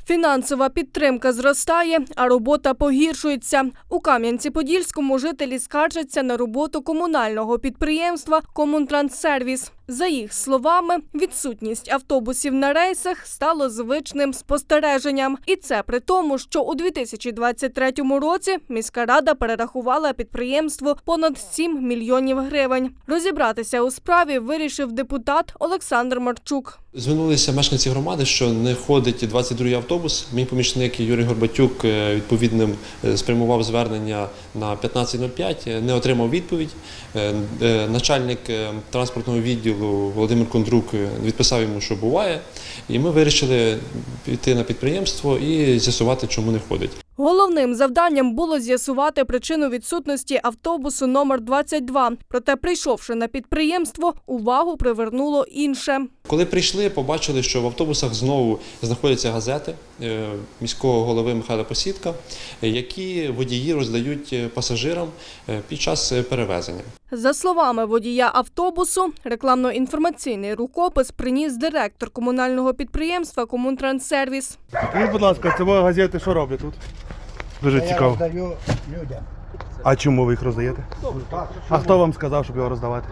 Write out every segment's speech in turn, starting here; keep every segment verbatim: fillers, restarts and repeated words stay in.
Фінансова підтримка зростає, а робота погіршується. У Кам'янці-Подільському жителі скаржаться на роботу комунального підприємства «Комунтранссервіс». За їх словами, відсутність автобусів на рейсах стало звичним спостереженням. І це при тому, що у дві тисячі двадцять третьому році міська рада перерахувала підприємству понад сім мільйонів гривень. Розібратися у справі вирішив депутат Олександр Марчук. Звернулися мешканці громади, що не ходить двадцять другий автобус. Мій помічник Юрій Горбатюк відповідним спрямував звернення на п'ятнадцять нуль п'ять, не отримав відповідь. Начальник транспортного відділу Володимир Кондрук відписав йому, що буває. І ми вирішили піти на підприємство і з'ясувати, чому не ходить. Головним завданням було з'ясувати причину відсутності автобусу номер двадцять два. Проте, прийшовши на підприємство, увагу привернуло інше. Коли прийшли, побачили, що в автобусах знову знаходяться газети міського голови Михайла Посідка, які водії роздають пасажирам під час перевезення. За словами водія автобусу, рекламно-інформаційний рукопис приніс директор комунального підприємства «Комунтранссервіс». Скажіть, будь ласка, це газети що роблять тут? Дуже Я цікаво. роздаю людям. А чому ви їх роздаєте? А хто вам сказав, щоб його роздавати?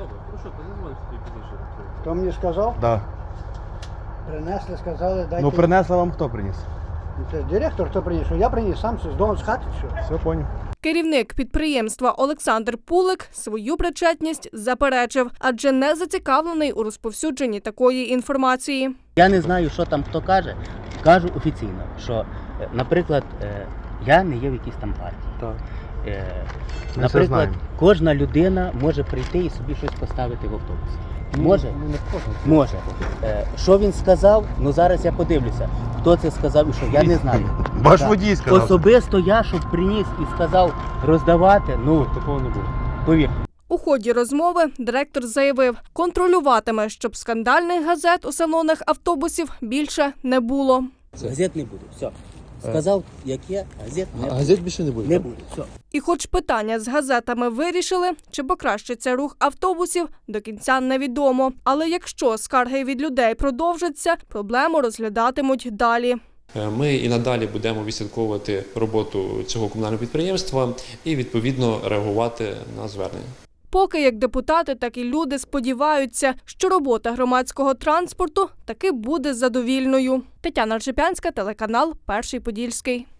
Хто мені сказав? Да. Принесли, сказали, дайте. Ну принесла вам хто приніс? Це директор, хто приніс? Я приніс сам з дому, з хати, що? Все, поняв. Керівник підприємства Олександр Пулик свою причетність заперечив, адже не зацікавлений у розповсюдженні такої інформації. Я не знаю, що там хто каже. Кажу офіційно, що, наприклад, я не є в якійсь там партії. Так. Ми Наприклад, знаємо. кожна людина може прийти і собі щось поставити в автобус. Може? Ну, не кожен. Може. Е, Що він сказав? Ну зараз я подивлюся. Хто це сказав і що? Я не знаю. Ваш Так. водій сказав. Особисто я, щоб приніс і сказав роздавати, ну, Такого не було. повір. У ході розмови директор заявив, контролюватиме, щоб скандальних газет у салонах автобусів більше не було. Газет не буде. Все. Сказав, як є, газет не буде. Газет більше не буде? Не буде. Все. І хоч питання з газетами вирішили, чи покращиться рух автобусів, до кінця невідомо. Але якщо скарги від людей продовжаться, проблему розглядатимуть далі. Ми і надалі будемо відслідковувати роботу цього комунального підприємства і, відповідно, реагувати на звернення. Поки як депутати, так і люди сподіваються, що робота громадського транспорту таки буде задовільною. Тетяна Ржепянська, телеканал «Перший Подільський».